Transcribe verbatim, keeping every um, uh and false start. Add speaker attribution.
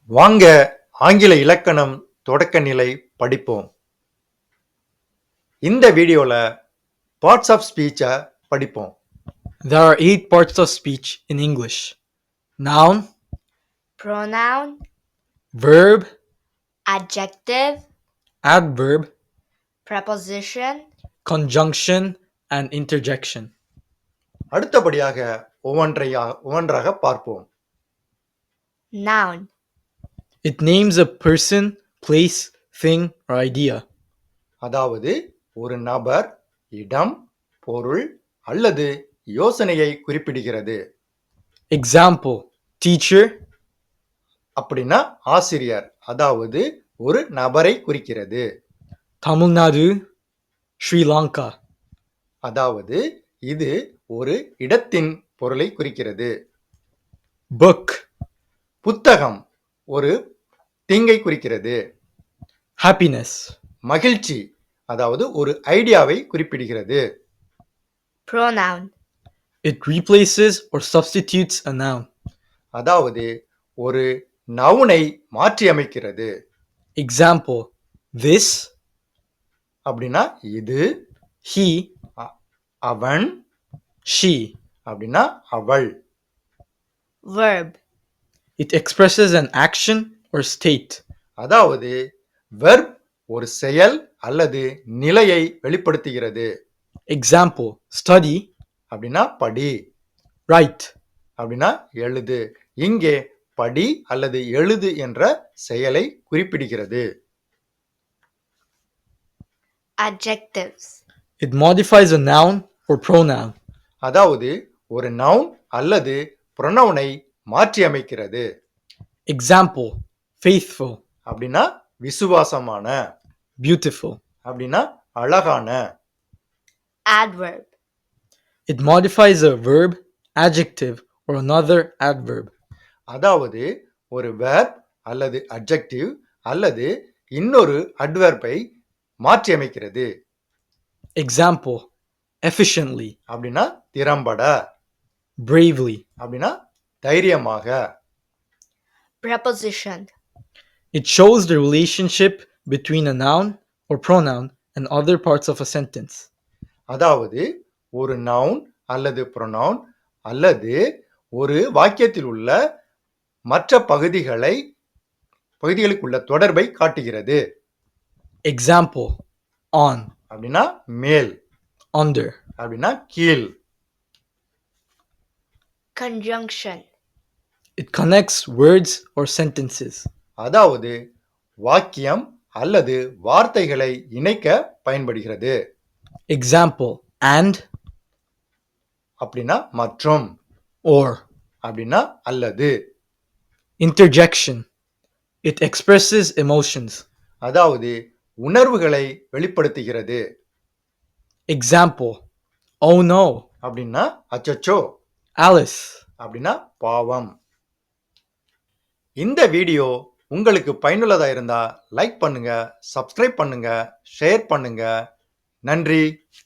Speaker 1: வாங்க ஆங்கில இலக்கணம் தொடக்க நிலை படிப்போம். இந்த வீடியோல பார்ட்ஸ் ஆஃப் ஸ்பீச்சை படிப்போம்.
Speaker 2: There are eight parts of speech in English: noun,
Speaker 3: pronoun,
Speaker 2: verb,
Speaker 3: adjective,
Speaker 2: adverb,
Speaker 3: preposition,
Speaker 2: conjunction, and interjection.
Speaker 1: அடுத்தபடியாக ஒவ்வொன்றையா ஒவ்வொன்றாக பார்ப்போம்.
Speaker 3: noun,
Speaker 2: It names a person, place, thing, or idea.
Speaker 1: அதாவது ஒரு நபர், இடம், பொருள் அல்லது யோசனையை குறிப்பிடுகிறது.
Speaker 2: Example: teacher,
Speaker 1: அப்படின்னா ஆசிரியர், அதாவது ஒரு நபரை குறிக்கிறது.
Speaker 2: Tamil Nadu, Sri Lanka.
Speaker 1: அதாவது இது ஒரு இடத்தின் பொருளை குறிக்கிறது.
Speaker 2: Book,
Speaker 1: புத்தகம் ஒரு திங்கை குறிக்கிறது.
Speaker 2: happiness,
Speaker 1: மகிழ்ச்சி அதாவது ஒரு ஐடியாவை குறிப்பிடுகிறது.
Speaker 3: pronoun,
Speaker 2: it replaces or substitutes a noun.
Speaker 1: அதாவது ஒரு நவுனை மாற்றி அமைக்கிறது.
Speaker 2: Example: this,
Speaker 1: அப்படின்னா இது,
Speaker 2: he,
Speaker 1: அவன்
Speaker 2: she.
Speaker 1: அப்படின்னா அவள்.
Speaker 3: verb,
Speaker 2: It expresses an action or state.
Speaker 1: அதாவது வெர்ப் ஒரு செயல் அல்லது நிலையை வெளிப்படுத்துகிறது.
Speaker 2: Example: study,
Speaker 1: அப்படின்னா படி,
Speaker 2: write.
Speaker 1: அப்படின்னா எழுது. இங்கே படி அல்லது எழுது என்ற செயலை குறிப்பிடுகிறது.
Speaker 3: adjectives,
Speaker 2: It modifies a noun or pronoun.
Speaker 1: அதாவது ஒரு நவுன் அல்லது ப்ரொனவுனை மாற்றி அமைக்கிறது.
Speaker 2: Example: faithful,
Speaker 1: அப்படின்னா விசுவாசமான,
Speaker 2: beautiful.
Speaker 1: அப்படின்னா அழகான.
Speaker 3: adverb,
Speaker 2: It modifies a verb, adjective, or another adverb.
Speaker 1: அதாவது ஒரு verb அல்லது adjective அல்லது இன்னொரு adverbஐ மாற்றி அமைக்கிறது.
Speaker 2: Example: efficiently,
Speaker 1: அப்படின்னா திறம்பட,
Speaker 2: bravely.
Speaker 1: அப்படின்னா தைரியமாக.
Speaker 3: preposition,
Speaker 2: It shows the relationship between a noun or pronoun and other parts of a sentence.
Speaker 1: அதாவது ஒரு நவுன் அல்லது ப்ரொனவுன் அல்லது ஒரு வாக்கியத்தில் உள்ள மற்ற பகுதிகளை பகுதிகளுக்குள்ள தொடர்பை காட்டுகிறது.
Speaker 2: Example: on,
Speaker 1: அப்படின்னா மேல்,
Speaker 2: under.
Speaker 1: அப்படின்னா கீழ்.
Speaker 3: conjunction,
Speaker 2: It connects words or sentences.
Speaker 1: அதாவது வாக்கியம் அல்லது வார்த்தைகளை இணைக்க பயன்படுகிறது.
Speaker 2: Example: and,
Speaker 1: அப்படின்னா மற்றும்,
Speaker 2: or.
Speaker 1: அப்படின்னா அல்லது.
Speaker 2: Interjection. It expresses emotions.
Speaker 1: அதாவது உணர்வுகளை வெளிப்படுத்துகிறது.
Speaker 2: Example: oh no,
Speaker 1: அப்படின்னா அச்சச்சோ,
Speaker 2: Alice.
Speaker 1: அப்படின்னா பாவம். இந்த வீடியோ உங்களுக்கு பயனுள்ளதா இருந்தா லைக் பண்ணுங்க, சப்ஸ்கிரைப் பண்ணுங்க, ஷேர் பண்ணுங்க. நன்றி.